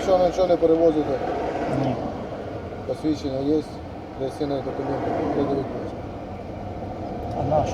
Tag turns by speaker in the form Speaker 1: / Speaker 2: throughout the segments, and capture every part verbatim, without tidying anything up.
Speaker 1: Якщо нічого не перевозите,
Speaker 2: Ні.
Speaker 1: посвідчення є, реєстраційні документи, придивіть.
Speaker 2: А наш?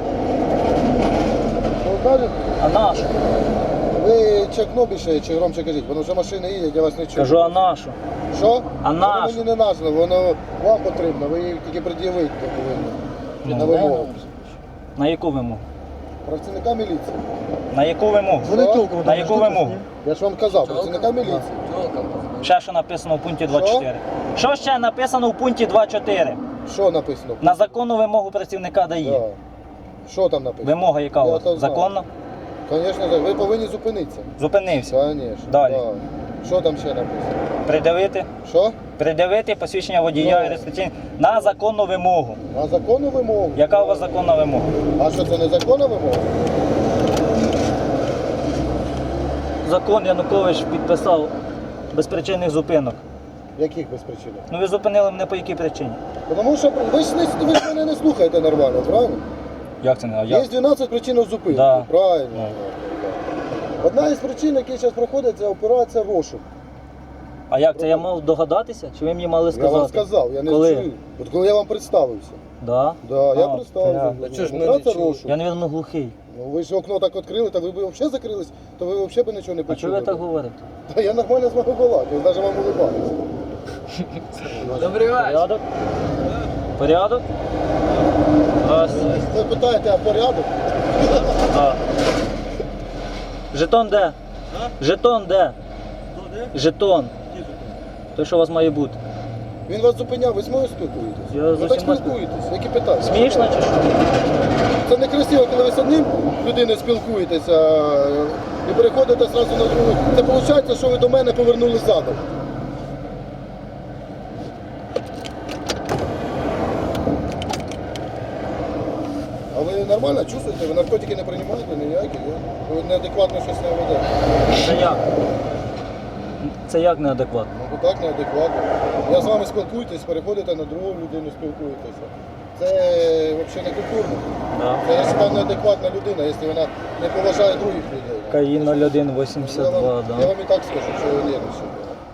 Speaker 1: Що ви кажете?
Speaker 2: А наш?
Speaker 1: Ви чекно більше чи громче кажіть, воно вже машини їдять, я вас не чую.
Speaker 2: Кажу, а нашу?
Speaker 1: Що?
Speaker 2: А
Speaker 1: Воно
Speaker 2: наш?
Speaker 1: мені не нужно, воно вам потрібно, ви її тільки пред'явити повинні.
Speaker 2: Ну,
Speaker 1: На вимогу.
Speaker 2: На яку вимогу?
Speaker 1: Працівника міліції.
Speaker 2: На яку вимогу?
Speaker 1: Що?
Speaker 2: На яку вимогу?
Speaker 1: Я ж вам казав, працівника міліції.
Speaker 2: Ще що написано в пункті двадцять чотири. Що ще написано в пункті двадцять чотири?
Speaker 1: Що написано?
Speaker 2: На законну вимогу працівника дає.
Speaker 1: Да. Що там написано?
Speaker 2: Вимога яка у
Speaker 1: Я
Speaker 2: вас?
Speaker 1: то знаю.
Speaker 2: Законна?
Speaker 1: Звісно, так. Ви повинні зупинитися.
Speaker 2: Зупинився.
Speaker 1: Звісно.
Speaker 2: Далі.
Speaker 1: Да. Що там ще написано?
Speaker 2: Придивити.
Speaker 1: Що?
Speaker 2: Придивити посвідчення водія
Speaker 1: Ну.
Speaker 2: і реєстраційний на законну вимогу.
Speaker 1: На законну вимогу.
Speaker 2: Яка у вас законна вимога?
Speaker 1: А що це не законна вимога?
Speaker 2: Закон Янукович підписав безпричинних зупинок.
Speaker 1: Яких без причини?
Speaker 2: Ну ви зупинили мене по якій причині?
Speaker 1: Тому що ви ж, не, ви ж мене не слухаєте нормально, правильно?
Speaker 2: Як це не? А
Speaker 1: Є
Speaker 2: як?
Speaker 1: дванадцять причин зупинки,
Speaker 2: Да.
Speaker 1: правильно.
Speaker 2: Ну.
Speaker 1: Одна із причин, які зараз проходять, це операція розшук.
Speaker 2: А як це я мав догадатися? Чи ви мені мали сказати?
Speaker 1: Я вам сказав, я не
Speaker 2: Коли?
Speaker 1: чую. От коли я вам представився.
Speaker 2: Да?
Speaker 1: Да, я
Speaker 2: А,
Speaker 1: представився.
Speaker 2: це
Speaker 3: я. Чого ж ми
Speaker 1: Операція
Speaker 3: не чули?
Speaker 1: розшук.
Speaker 2: Я, мабуть, глухий.
Speaker 1: Ну, ви ж окно так відкрили, та ви б взагалі закрились, то ви взагалі б нічого не
Speaker 2: А
Speaker 1: почули.
Speaker 2: чого ви так говорите?
Speaker 1: Та я нормально з вами балакаю, навіть вам улибаюся.
Speaker 3: Добрий вечір.
Speaker 2: Порядок? Порядок? Раз.
Speaker 1: Ви питаєте, а порядок?
Speaker 2: Да. Жетон де? Жетон де? Жетон. Той, що у вас має бути.
Speaker 1: Він вас зупиняв, ви з мною спілкуєтесь?
Speaker 2: Я
Speaker 1: ви
Speaker 2: з
Speaker 1: так
Speaker 2: усіма
Speaker 1: спілкуєтесь, які питання?
Speaker 2: Смішно чи що?
Speaker 1: Це не красиво, коли ви з одним людиною спілкуєтеся і переходите одразу на другу. Це виходить, що ви до мене повернули задом. А ви нормально чувствуєте? Ви наркотики не приймаєте ніякі? Ви неадекватно щось не ведете.
Speaker 2: Це як? Це як неадекватно?
Speaker 1: Ну так неадекватно. Я з вами спілкуєтесь, переходите на другу людину, спілкуєтеся. Це взагалі не культурно.
Speaker 2: Да.
Speaker 1: Це я вважаю, неадекватна людина, якщо вона не поважає других людей.
Speaker 2: КАІ нуль один
Speaker 1: Я
Speaker 2: вісімдесят
Speaker 1: вам,
Speaker 2: два,
Speaker 1: я
Speaker 2: да.
Speaker 1: вам і так скажу, що ви нервничаєте.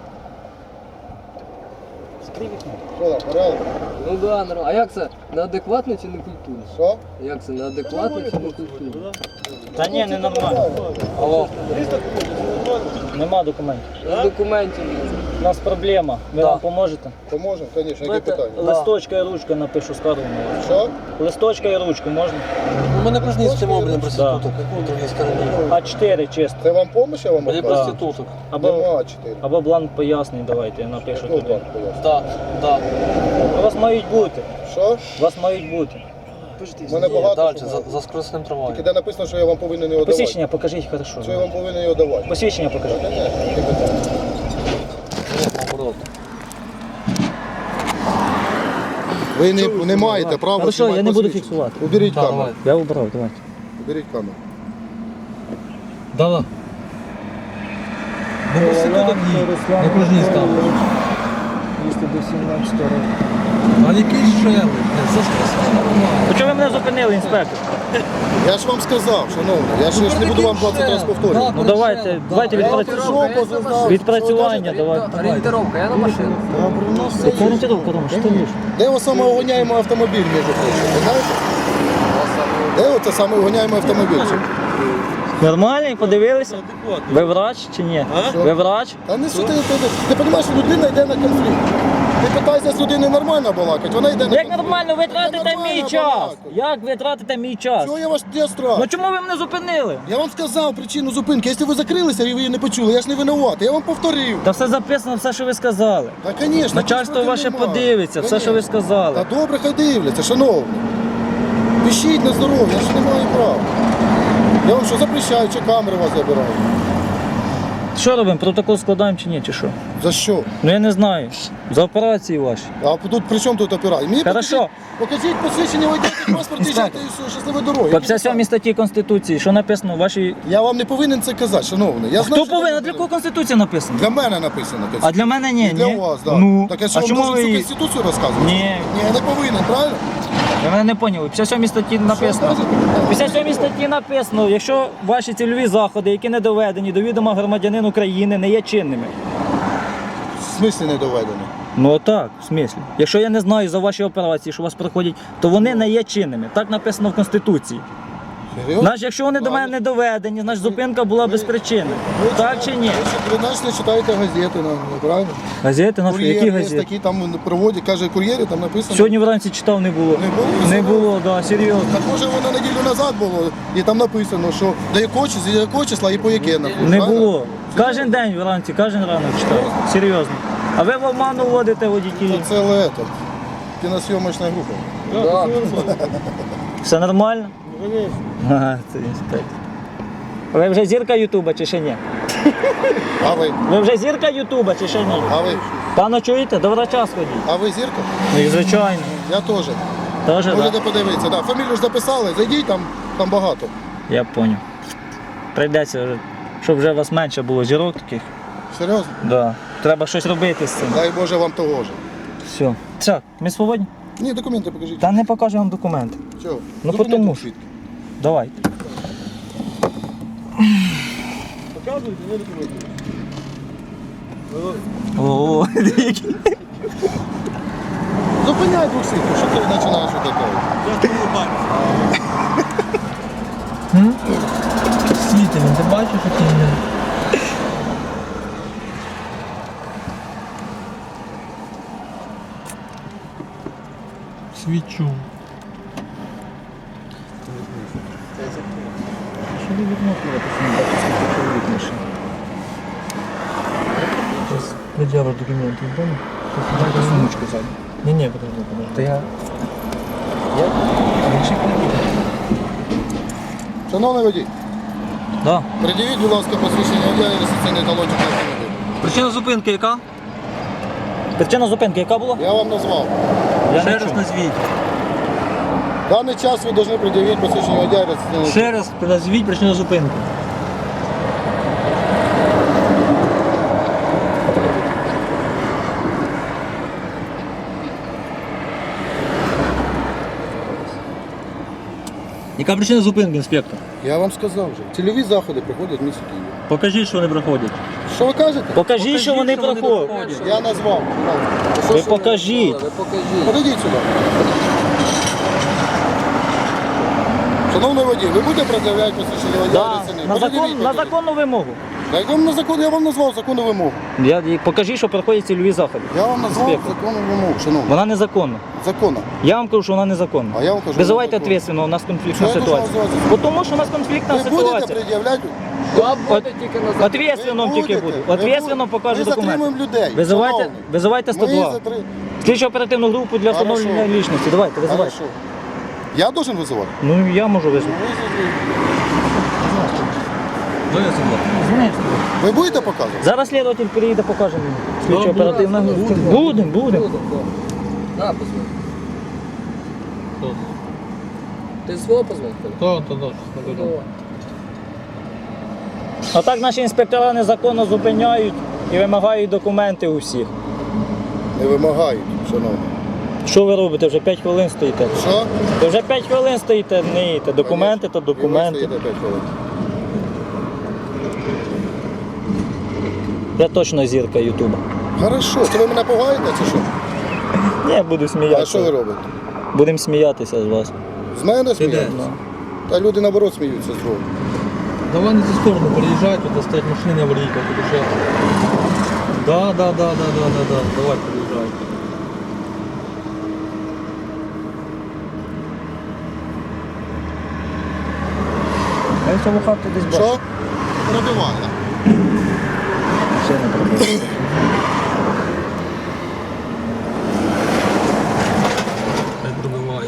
Speaker 2: Скрий вікно.
Speaker 1: Що там, порядок?
Speaker 3: Ну да, нормально. А як це? Неадекватно чи не культурно?
Speaker 1: Що?
Speaker 3: Як це? Неадекватно чи не культурно?
Speaker 2: Та ні, не нормально.
Speaker 3: Алло.
Speaker 2: Нема документів.
Speaker 3: Документів.
Speaker 2: У нас проблема. Ви
Speaker 3: Да.
Speaker 2: нам поможете?
Speaker 1: Поможемо, звісно, які
Speaker 2: Давайте
Speaker 1: питання?
Speaker 2: листочка і ручка напишу скаргу на вас.
Speaker 1: Що?
Speaker 2: Листочка і ручку можна?
Speaker 4: У мене каждый мобильный проституток,
Speaker 2: Да.
Speaker 4: как в других странах.
Speaker 2: А чотири чисто.
Speaker 1: Це вам допомога, я вам
Speaker 4: Или
Speaker 1: оказую?
Speaker 4: проституток.
Speaker 2: Або,
Speaker 1: Нема чотири.
Speaker 2: або бланк пояснень давайте, я напишу
Speaker 1: Хто
Speaker 2: туди.
Speaker 1: вам пояснює?
Speaker 4: Да, да.
Speaker 2: У вас мають бути.
Speaker 1: Що?
Speaker 2: У вас мають бути.
Speaker 1: У мене
Speaker 4: Ні,
Speaker 1: багато.
Speaker 4: дальше,
Speaker 1: що
Speaker 4: за,
Speaker 1: має.
Speaker 4: за скоростним
Speaker 1: Тільки
Speaker 4: трамваєм.
Speaker 1: де написано, що я вам повинен його давати.
Speaker 2: Посвідчення покажіть хорошо.
Speaker 1: Що я вам повинен його давати?
Speaker 2: Посвідчення
Speaker 1: Та,
Speaker 2: покажіть.
Speaker 1: Звісно, які питання?
Speaker 4: Ні, наоборот.
Speaker 1: Ви не, не маєте права.
Speaker 2: Хорошо,
Speaker 1: знімати
Speaker 2: я не буду
Speaker 1: посвідчення.
Speaker 2: фіксувати.
Speaker 1: Уберіть
Speaker 4: Да,
Speaker 1: камеру.
Speaker 4: давай.
Speaker 2: Я убрав, давайте.
Speaker 1: Уберіть камеру.
Speaker 4: Да, да. Ну, проституток ні. Не кожній став.
Speaker 2: Якщо до сімнадцятого року.
Speaker 4: А який ще? За скоростним трамваєм.
Speaker 2: То чого ви мене зупинили, інспектор?
Speaker 1: Я ж вам сказав, шановний, я ж, я ж не буду вам двадцять разів повторювати.
Speaker 2: Ну давайте, давайте відпрацю... відпрацювання, давайте.
Speaker 3: Орієнтировка, я на машину.
Speaker 2: Яка орієнтировка, Рома, що ти вмієш?
Speaker 1: Де ось самоугоняємий автомобіль, між прочим, ви знаєте? Де оце самоугоняємий автомобіль?
Speaker 2: Нормальний, подивилися? Ви врач чи ні? Ви врач?
Speaker 1: Та не що ти, ти, ти, ти розумієш, людина йде на конфлікт. Ти питаєшся з людиною нормально балакати, вона йде на
Speaker 2: Як
Speaker 1: конфлікт.
Speaker 2: нормально, ви
Speaker 1: Та
Speaker 2: тратите
Speaker 1: нормально
Speaker 2: мій час?
Speaker 1: балакати.
Speaker 2: Як ви тратите мій час?
Speaker 1: Чого я ваш я страх?
Speaker 2: Ну чому ви мене зупинили?
Speaker 1: Я вам сказав причину зупинки. Якщо ви закрилися і ви її не почули, я ж не винуватий, я вам повторив.
Speaker 2: Та все записано, все, що ви сказали.
Speaker 1: Та, звісно.
Speaker 2: Начальство ваше подивиться, все, що ви сказали.
Speaker 1: Та добре, хай дивляться, шановні. Пишіть на здоров'я, я ж не маю права. Я вам що запрещаю, чи камери вас забираю?
Speaker 2: Що робимо? Протокол складаємо чи ні, чи що?
Speaker 1: За що?
Speaker 2: Ну я не знаю. За операції ваші.
Speaker 1: А тут при чому тут операція? Мені
Speaker 2: Хорошо.
Speaker 1: покажіть, покажіть посвідчення водійського паспорту і їжджайте і все, щасливої дороги.
Speaker 2: По п'ятдесят сьомій статті Конституції, що написано в вашій...
Speaker 1: Я вам не повинен це казати, шановний. Я знаю,
Speaker 2: Хто
Speaker 1: що
Speaker 2: повинен?
Speaker 1: ви
Speaker 2: Для кого Конституція написано?
Speaker 1: Для мене написано.
Speaker 2: А для мене ні,
Speaker 1: І для
Speaker 2: ні.
Speaker 1: вас, так.
Speaker 2: Ну,
Speaker 1: Так я що
Speaker 2: а
Speaker 1: вам
Speaker 2: чому
Speaker 1: должен
Speaker 2: ви...
Speaker 1: всю
Speaker 2: її-
Speaker 1: Конституцію розказувати?
Speaker 2: Ні.
Speaker 1: Ні, я не повинен, правильно?
Speaker 2: Ви мене не поняли. В п'ятдесят сьомій статті написано.
Speaker 1: скажете?
Speaker 2: В п'ятдесят сьомій статті написано, якщо ваші цільові заходи, які не доведені до відома громадянин України, не є чинними.
Speaker 1: смислі не доведені?
Speaker 2: Ну так, в смислі. Якщо я не знаю за ваші операції, що у вас проходять, то вони не є чинними. Так написано в Конституції.
Speaker 1: Серйозно?
Speaker 2: Значить, якщо вони до мене не доведені, значить зупинка була без причини.
Speaker 1: Ви
Speaker 2: Так
Speaker 1: читаєте-
Speaker 2: чи ні?
Speaker 1: Ви, чи- ви значить, не читаєте газети, ну, правильно?
Speaker 2: Газети наші,
Speaker 1: Кур'єр
Speaker 2: які
Speaker 1: є
Speaker 2: газети?
Speaker 1: такі, там проводять, каже, кур'єри, там написано.
Speaker 2: Сьогодні вранці читав, не було.
Speaker 1: Не було?
Speaker 2: Не було, так, да, серйозно.
Speaker 1: Так може воно неділю назад було, і там написано, що до якого числа, з якого числа і по яке написано.
Speaker 2: Не
Speaker 1: правильно?
Speaker 2: було. Кожен день вранці, кожен ранок читав. Серйозно. А ви в обману вводите водітелів.
Speaker 1: Це лето. Кіносйомочна група.
Speaker 3: Да.
Speaker 2: Все нормально? Ага, це інспектор. Ви вже зірка Ютуба чи ще ні?
Speaker 1: А ви?
Speaker 2: Ви вже зірка Ютуба чи ще ні?
Speaker 1: А ви?
Speaker 2: Пане чуєте? До врача сходіть.
Speaker 1: А ви зірка?
Speaker 2: Ну і звичайно.
Speaker 1: Я теж.
Speaker 2: Теж,
Speaker 1: Можете
Speaker 2: так?
Speaker 1: подивитися. Да. Фамілію ж записали, зайдіть, там, там багато.
Speaker 2: Я зрозумів. Прийдеться, вже, щоб вже у вас менше було зірок таких.
Speaker 1: Серйозно?
Speaker 2: Да. Треба щось робити з цим.
Speaker 1: Дай Боже вам того ж.
Speaker 2: Все. Все, ми свободні?
Speaker 1: Ні, документи покажіть.
Speaker 2: Та не покажу вам документи.
Speaker 1: Чого?
Speaker 2: Ну,
Speaker 1: Зупиніть
Speaker 2: потому
Speaker 1: тут
Speaker 2: що.
Speaker 1: свідки.
Speaker 2: Давайте.
Speaker 1: Показуйте, не документи.
Speaker 2: О, які.
Speaker 1: Зупиняй двох свідків, що ти починаєш таке?
Speaker 4: Світи, він ти бачиш, який він? Свічу.
Speaker 2: Що ви вікно бачите, скільки чоловік машин?
Speaker 4: Зараз пред'явиш документи, не помню?
Speaker 2: Дайте сумочку ззаду.
Speaker 4: Ні, ні, подожди, подожди.
Speaker 2: Та я... Я... Інший
Speaker 1: Шановний водій,
Speaker 2: Да.
Speaker 1: придивіть, будь ласка, посвідчення водія і реєстраційний талончик на автомобіль.
Speaker 2: Причина зупинки яка? Причина зупинки яка була?
Speaker 1: Я вам назвав.
Speaker 2: Я
Speaker 4: Ще
Speaker 2: не
Speaker 4: раз
Speaker 2: чув.
Speaker 4: назвіть.
Speaker 1: В даний час ви повинні придивити посвідчення водія і реєстраційний
Speaker 4: Ще раз назвіть причину зупинки. Яка причина зупинки, інспектор?
Speaker 1: Я вам сказав вже. Цільові заходи приходять в місті Києві.
Speaker 4: Покажіть, що вони проходять.
Speaker 1: Що ви кажете?
Speaker 2: Покажіть, що вони проходять.
Speaker 1: Я назвав.
Speaker 2: Ви покажіть.
Speaker 3: Ви покажіть.
Speaker 1: Подойдіть сюди. Шановний водій, ви будете пред'являти посвідчення водія
Speaker 2: Да.
Speaker 1: реєстраційний?
Speaker 2: На,
Speaker 1: Подивіть,
Speaker 2: закон, на
Speaker 1: подивіть.
Speaker 2: законну вимогу.
Speaker 1: Я вам, на закон, я вам назвав законну вимогу.
Speaker 2: Я, і покажіть, що проходять цільові заходи.
Speaker 1: Я вам назвав
Speaker 2: Інспектор.
Speaker 1: законну вимогу, шановний.
Speaker 2: Вона незаконна.
Speaker 1: Закона.
Speaker 2: Я вам кажу, що вона незаконна.
Speaker 1: А я вам кажу,
Speaker 2: Визивайте
Speaker 1: вона законна.
Speaker 2: відповідально, у нас конфліктна
Speaker 1: Чого я
Speaker 2: ситуація.
Speaker 1: должен визивати?
Speaker 2: Бо тому що у нас конфліктна
Speaker 1: Ви будете
Speaker 2: ситуація.
Speaker 1: пред'являти?
Speaker 3: Да, буде тільки на закон.
Speaker 2: Ответственно
Speaker 1: Ви
Speaker 2: тільки
Speaker 1: будете,
Speaker 2: буду.
Speaker 1: ви
Speaker 2: Ответственно
Speaker 1: будете.
Speaker 2: покажу
Speaker 1: Ми затримуємо
Speaker 2: документи.
Speaker 1: людей.
Speaker 2: Визивайте,
Speaker 1: шановний.
Speaker 2: визивайте сто
Speaker 1: Ми
Speaker 2: два.
Speaker 1: затри...
Speaker 2: Слідчу оперативну групу для
Speaker 1: Хорошо.
Speaker 2: встановлення лічності. Давайте, визивайте.
Speaker 1: Хорошо. Я должен визивати?
Speaker 2: Ну я можу визвати.
Speaker 4: Ну, я сюди.
Speaker 1: Ви будете показувати?
Speaker 2: Зараз слідователь приїде, покаже мені. Слідчу
Speaker 4: Добре.
Speaker 2: оперативну групу.
Speaker 3: Будемо.
Speaker 2: Будемо, будемо.
Speaker 3: Буде, да. Да, позвони.
Speaker 4: Хто?
Speaker 3: Ти свого позвони?
Speaker 4: Хто, то, то,
Speaker 3: Ну, давай.
Speaker 2: А так наші інспектора незаконно зупиняють і вимагають документи у всіх.
Speaker 1: Не вимагають, шановний.
Speaker 2: Що ви робите? Вже п'ять хвилин стоїте.
Speaker 1: Що?
Speaker 2: Ви вже п'ять хвилин стоїте, не їдете. Документи то
Speaker 1: І ви
Speaker 2: документи.
Speaker 1: стоїте п'ять хвилин.
Speaker 2: Я точно зірка Ютуба.
Speaker 1: Хорошо, це ви мене пугаєте чи що?
Speaker 2: Ні, я буду
Speaker 1: А що ви
Speaker 2: сміятися.
Speaker 1: робите?
Speaker 2: Будемо сміятися з вас.
Speaker 1: З мене
Speaker 4: де?
Speaker 1: смієтеся? Та люди наоборот сміються з другого.
Speaker 4: Давай на цю сторону приїжджай, тут стоять машини аварійка, під'їжджай. Да, да, да, да, да, да, да. Давай приїжджай.
Speaker 2: Я в цьому хату десь бачу.
Speaker 1: Що? Пробиває.
Speaker 2: Ще не пробив.
Speaker 4: Хай пробиває.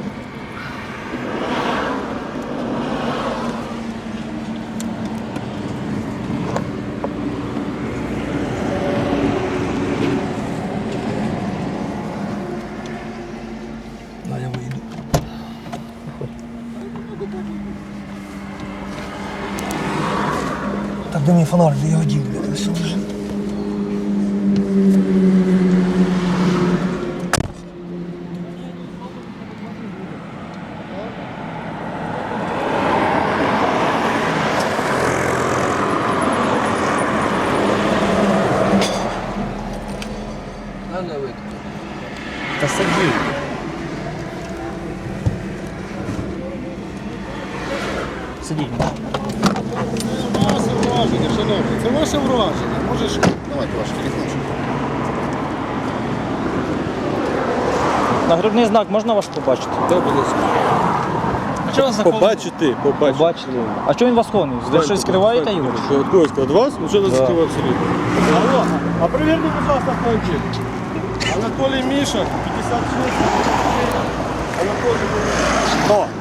Speaker 4: Да, я вийду. Так де мій фонарь, я його дів, блядь, все лежить.
Speaker 2: сидіть.
Speaker 1: Ваше враження, шановні, це ваше враження. Можеш. Давайте ваш телефончик.
Speaker 2: Нагрудний знак можна ваш побачити?
Speaker 4: А чого вас заховали?
Speaker 5: Побачити, побачити.
Speaker 2: Побачити. А чого він вас ховний? Ви щось скриваєте його?
Speaker 5: Що, від когось? Від вас? Ну що нас
Speaker 2: Да.
Speaker 5: скриває абсолютно? Алло, а перевірте, будь ласка, кончик. Анатолій Міша, п'ятдесят шість. Анатолій Міша. О!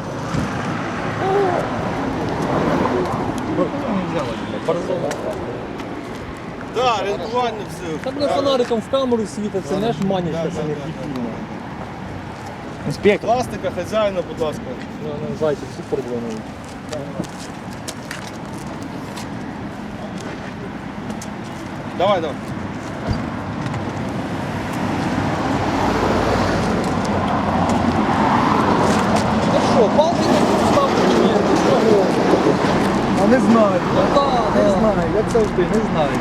Speaker 5: Да, рятування все.
Speaker 4: Так не фонариком в камеру світить, це не ж манічка, це не дебільно.
Speaker 2: Інспектор.
Speaker 5: Пластика, хазяїна, будь ласка.
Speaker 4: Ну, ну, зайчик, всі передзвонили.
Speaker 5: Давай, давай.
Speaker 4: Ну що, палки не ставте чи ні? Чого?
Speaker 6: А не знаю,
Speaker 4: Ну так,
Speaker 6: не
Speaker 4: да.
Speaker 6: знаю, як завжди, не знаю.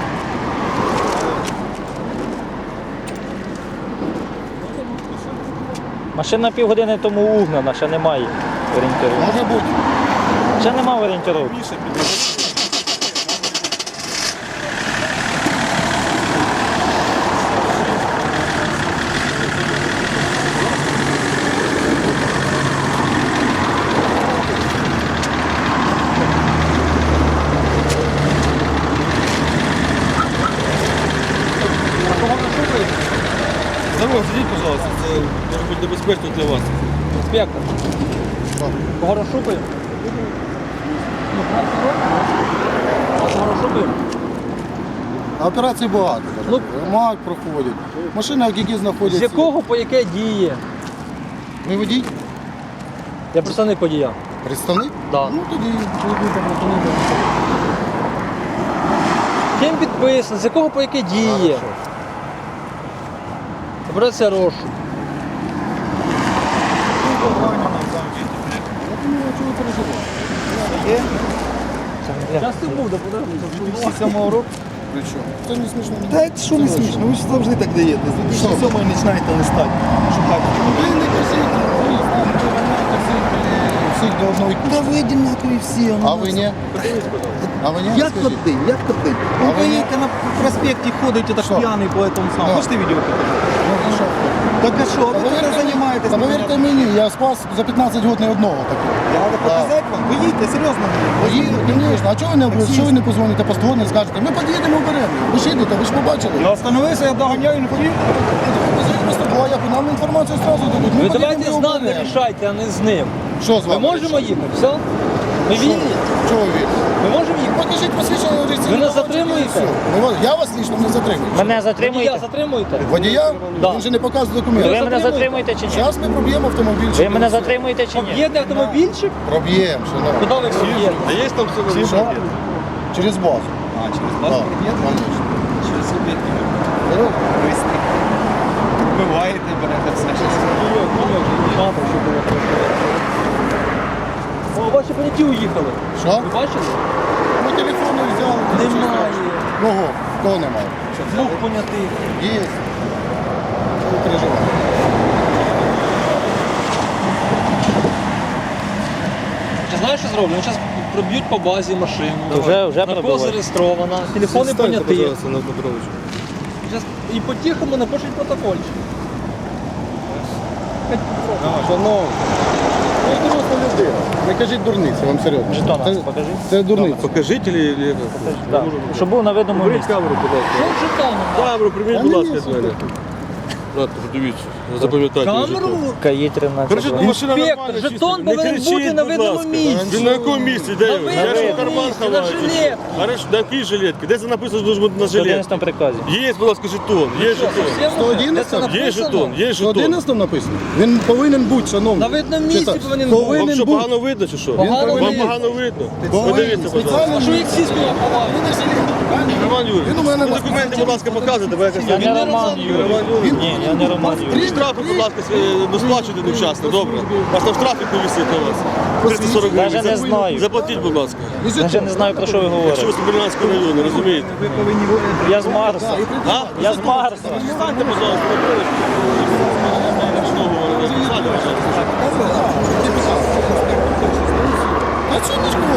Speaker 2: Машина півгодини тому угнана, ще немає орієнтиру.
Speaker 1: Може бути.
Speaker 2: Ще немає орієнтиру.
Speaker 5: Міша, піде. Здорово, сидіть, пожалуйста, це може бути небезпечно для вас.
Speaker 4: Інспектор. Кого розшукуємо? Ну, а кого розшукуємо?
Speaker 1: А операцій багато.
Speaker 4: Ну.
Speaker 1: МАК проходять. Машина, які знаходяться.
Speaker 4: З якого по яке діє?
Speaker 1: Ви водій?
Speaker 4: Я представник водія.
Speaker 1: Представник?
Speaker 4: Да.
Speaker 1: Ну тоді чоловіка представник.
Speaker 4: Ким підписано, з якого по яке діє? Операція розшук. Я з тим був, да подожди.
Speaker 6: дві тисячі сьомого року.
Speaker 1: Причому? Це не смішно.
Speaker 6: Та що не смішно, ви ж завжди так даєте. З дві тисячі сьомого починаєте листати. Шукати.
Speaker 1: Ви не кажіть, ви знаєте, ви знаєте всіх, е, всіх до одної.
Speaker 6: Та ви одинакові всі.
Speaker 1: А ви ні? А ви ні?
Speaker 6: Як
Speaker 1: Скажіть.
Speaker 6: один, як один.
Speaker 1: А
Speaker 6: Ви
Speaker 1: ви ні?
Speaker 6: поїдете на проспекті, ходите так
Speaker 1: Що?
Speaker 6: п'яний по этому самому.
Speaker 1: Да.
Speaker 6: Хочете відео покажу?
Speaker 1: Ну, і що?
Speaker 6: Так а що, ви
Speaker 1: Та
Speaker 6: тут
Speaker 1: повірте мені-
Speaker 6: займаєтесь?
Speaker 1: Та повірте мені, я спас за п'ятнадцять років не одного такого.
Speaker 6: Треба показати вам? Ви їдьте, серйозно.
Speaker 1: Їду, звісно. А чого ви не, що ви не позвоните по сто не скажете? Ми під'їдемо вберемо. Ви ж їдете, ви ж побачили.
Speaker 6: Я остановився, я доганяю, не хотів.
Speaker 1: Бо як нам інформацію одразу дадуть. Ми
Speaker 4: Ви
Speaker 1: під'їдемо
Speaker 4: давайте
Speaker 1: і
Speaker 4: з нами
Speaker 1: оберемо.
Speaker 4: рішайте, а не з ним.
Speaker 1: Що з
Speaker 4: Ми
Speaker 1: вами?
Speaker 4: можемо їхати, все? Ми
Speaker 1: Що?
Speaker 4: вільні?
Speaker 1: Чого ви вільні?
Speaker 4: Ми можемо їхати?
Speaker 1: Покажіть посвідчення реєстраційного
Speaker 4: Ви нас
Speaker 1: талончика і
Speaker 4: затримуєте?
Speaker 1: все. Ну, Я вас лично не затримую.
Speaker 2: Мене
Speaker 4: Водія
Speaker 2: затримуєте?
Speaker 4: затримуєте?
Speaker 1: Водія?
Speaker 4: Да.
Speaker 1: Він же не показує
Speaker 2: Ви
Speaker 1: документи.
Speaker 2: мене
Speaker 4: затримуєте?
Speaker 2: затримуєте чи ні?
Speaker 1: Зараз ми проб'ємо автомобіль.
Speaker 2: Ви мене затримуєте чи ні?
Speaker 4: Об'єднаний автомобільчик?
Speaker 1: Проб'ємо, шановні.
Speaker 4: Куди ви об'єднані?
Speaker 5: А є там все
Speaker 1: Що? Через базу.
Speaker 6: А, через
Speaker 1: Так,
Speaker 6: вас?
Speaker 1: конечно.
Speaker 6: Через об'єдки. Буваєте, берете все.
Speaker 4: Мама, що було хорошо. О, ваші поняті уїхали.
Speaker 1: Що?
Speaker 4: Ви бачили?
Speaker 1: Ми телефони взяли.
Speaker 4: Немає.
Speaker 1: Кого? Кого немає?
Speaker 4: Двох понятих.
Speaker 1: Є. Що ви переживаєте?
Speaker 4: Чи знаєш, що зроблю? Вони зараз проб'ють по базі машину.
Speaker 2: То вже- вже
Speaker 4: Наркоз
Speaker 2: пробивають.
Speaker 4: зареєстрована, телефони
Speaker 5: Станьте,
Speaker 4: поняті.
Speaker 5: пожалуйста, на Петровичу.
Speaker 4: Щас і по-тихому напишуть протокольчик.
Speaker 1: Шановні, ви ж доросла людина. Не кажіть дурниці, вам серйозно.
Speaker 2: Жетон
Speaker 1: Це,
Speaker 2: покажи.
Speaker 1: це дурниця.
Speaker 5: Покажіть или... или...
Speaker 2: Да. Щоб був на видному
Speaker 5: Беріть
Speaker 2: місці.
Speaker 5: камеру, будь ласка.
Speaker 4: Що з жетоном?
Speaker 5: Камеру приберіть,
Speaker 1: Та
Speaker 5: будь
Speaker 1: ні,
Speaker 5: ласка,
Speaker 1: ні,
Speaker 5: від мене. Брат, подивіться, запам'ятайте.
Speaker 4: Камеру?
Speaker 2: КАІ тринадцять.
Speaker 5: Короче, ну, машина
Speaker 4: Інспектор,
Speaker 5: нормальна,
Speaker 4: жетон
Speaker 5: чиста. Не
Speaker 4: повинен
Speaker 5: кричіть,
Speaker 4: бути на
Speaker 5: будь
Speaker 4: видному
Speaker 5: ласка.
Speaker 4: місці.
Speaker 5: Він на якому місці? Де
Speaker 4: На
Speaker 5: він? Я ж
Speaker 4: видному
Speaker 5: в карман
Speaker 4: місці, на
Speaker 5: ховаю.
Speaker 4: жилетці.
Speaker 5: Хорошо, на якій жилетці? Де це написано, що бути на
Speaker 2: В
Speaker 5: жилетці?
Speaker 2: одинадцятому приказі.
Speaker 5: Є, будь ласка, жетон, є жетон.
Speaker 1: сто одинадцять?
Speaker 5: Є жетон, є
Speaker 1: В
Speaker 5: жетон.
Speaker 1: одинадцятому написано. Він повинен бути, шановний.
Speaker 4: На видному місці
Speaker 1: Читай.
Speaker 4: повинен
Speaker 5: Вам
Speaker 1: Повинен
Speaker 5: що,
Speaker 1: бути.
Speaker 5: погано видно чи що?
Speaker 4: Погано
Speaker 5: Вам
Speaker 4: видно.
Speaker 5: погано видно?
Speaker 1: Повинен.
Speaker 5: Подивіться, будь ласка.
Speaker 1: Спеціально.
Speaker 4: А що їх всі сюди ховають?
Speaker 5: Роман Юрійович,
Speaker 1: Він у мене
Speaker 5: ви
Speaker 1: на-
Speaker 5: документи, будь ласка, показуйте, бо якось...
Speaker 2: Я
Speaker 4: Він
Speaker 2: не
Speaker 4: не
Speaker 2: Роман
Speaker 4: Роман
Speaker 2: Юрій. Ні, я не Роман Юрій.
Speaker 5: І штрафи, будь ласка, свої не сплачуйте невчасно, добре? У вас там штрафи повісить на вас. триста сорок гривень.
Speaker 2: Даже не
Speaker 5: Зап-
Speaker 2: знаю.
Speaker 5: Заплатіть, будь ласка.
Speaker 2: Я вже не знаю, про що ви
Speaker 5: Якщо
Speaker 2: говорите.
Speaker 5: ви з Смілянського району, розумієте?
Speaker 6: Ви повинні
Speaker 2: Я з Марса.
Speaker 5: А?
Speaker 2: Я з Марса.
Speaker 5: Станьте, пожалуйста, на проводку. Що говорите? Станьте, пожалуйста.
Speaker 1: А що нічого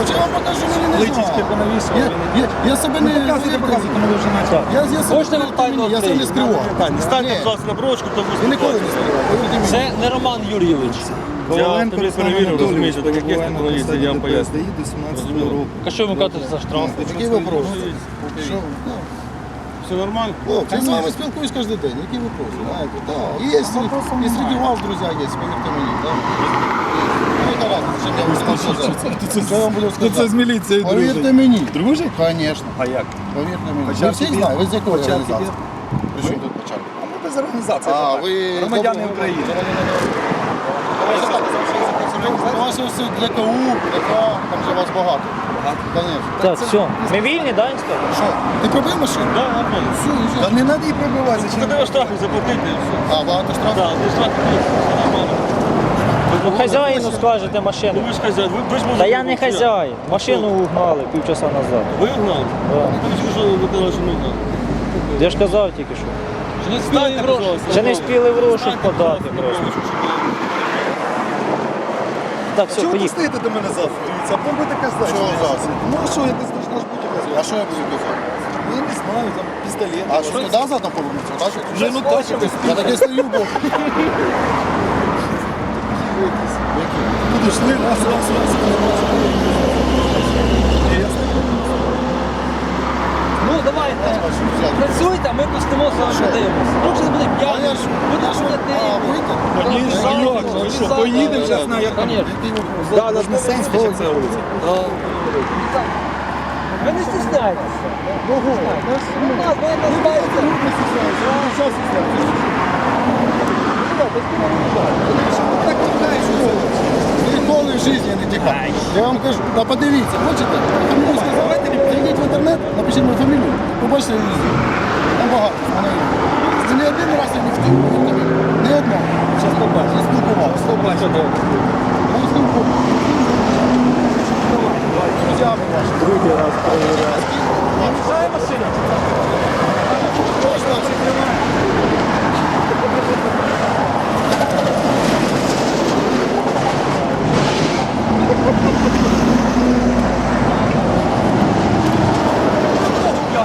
Speaker 6: Табличечки понавішували.
Speaker 1: Я, я, я себе не...
Speaker 6: Показуйте, показуйте, коли ви вже почали.
Speaker 1: Я, я себе
Speaker 4: Можете
Speaker 1: не
Speaker 4: нам тайну
Speaker 1: я себе не
Speaker 4: відкрити?
Speaker 1: скривав.
Speaker 5: Станьте, будь ласка, на брочку, то
Speaker 1: Я ніколи не скривав, повірте мені.
Speaker 4: Це не Роман Юрійович.
Speaker 5: Я автомобіль перевірив, розумієте, так як є, так воно є, я вам поясню.
Speaker 6: До сімнадцятого року.
Speaker 4: А що ви кажете за штраф?
Speaker 1: Який вопрос? Що? Ну,
Speaker 5: Все нормально?
Speaker 1: хлопці, я з вами спілкуюсь кожен день. Які вопроси? Знаєте, так. Є, і серед вас, друзі, є, повірте мені. Так. Ну, яка разниця, чим я вам буду сказати? Що я вам буду
Speaker 6: Хто це з
Speaker 1: сказати?
Speaker 6: міліцією
Speaker 1: Повірте
Speaker 6: дружить?
Speaker 1: мені.
Speaker 6: Дружить?
Speaker 1: Звісно.
Speaker 6: А як?
Speaker 1: Повірте мені.
Speaker 6: Початки
Speaker 1: Ви всіх
Speaker 6: є?
Speaker 1: знаєте, ви з якої
Speaker 6: Початки
Speaker 1: організації?
Speaker 6: є?
Speaker 1: При чому тут початку?
Speaker 6: А ми без організації.
Speaker 1: А, ви...
Speaker 6: Громадяни України.
Speaker 1: Ваше все для КУ, для К, там же вас багато. Конечно.
Speaker 2: Так, все. Ми вільні, да, інспектор?
Speaker 1: Що? Ти пробив машину?
Speaker 5: Так, нормально.
Speaker 1: Все, їжджай.
Speaker 6: Та не треба її пробивати.
Speaker 5: Це
Speaker 6: зачем?
Speaker 5: треба штрафи заплатити і все.
Speaker 1: А, багато штрафів?
Speaker 5: Так, не штрафи, все нормально.
Speaker 2: Ну хазяїну скажете машину.
Speaker 5: Ну ви ж хазяїн, ви, ви ж можете...
Speaker 2: Та я не хазяїн. Машину угнали півчаса назад.
Speaker 5: Ви угнали?
Speaker 2: Да.
Speaker 5: Ви ж що ви казали, що ми угнали.
Speaker 2: Я ж казав тільки що.
Speaker 4: Не співають гроші.
Speaker 2: Ще не встигли в розшук подати просто. Так, все,
Speaker 6: Чого ви
Speaker 2: поїхали.
Speaker 6: стоїте до мене завтра? Дивіться, а будете казати.
Speaker 1: Чого
Speaker 6: що я
Speaker 1: завтра?
Speaker 6: щось- Ну а що, якось должна ж бути якась.
Speaker 1: А що я буду казати?
Speaker 6: Ну, я не знаю, там пістолет.
Speaker 1: А що туди задом повернуться? Так?
Speaker 6: Вже ну точно.
Speaker 1: Я таке стою, бо...
Speaker 6: Підійшли, раз, раз, раз.
Speaker 4: Ну давайте. Працюйте, а ми пустимо з вами подивимося. Ну, вже буде
Speaker 1: А я
Speaker 4: п'яний.
Speaker 1: ж...
Speaker 4: Буде
Speaker 1: А,
Speaker 4: ходити.
Speaker 1: вийти?
Speaker 6: Конечно,
Speaker 1: Та ні,
Speaker 6: як же, ви що, поїдемо зараз на як там?
Speaker 4: Конечно.
Speaker 6: Да, навіть не сенс, що це вулиця.
Speaker 4: Ви не стісняйтеся. Ну, так, ви не знаєте.
Speaker 1: Так тікаєш у цьому. Ніколи в житті не тікаю. Я вам кажу, та подивіться, хочете? Фамілію сказати, зайдіть в інтернет, напишіть мою фамілію, побачите везде. Там багато. Мене є. Це не один раз я не втік, повірте мені. Не одного. Зараз побачите. Я спілкувався. Побачите. Я спілкувався. Друзями ваші. Другий раз перевіряю. Мішає машина? Точно, чи тримає? Thank you.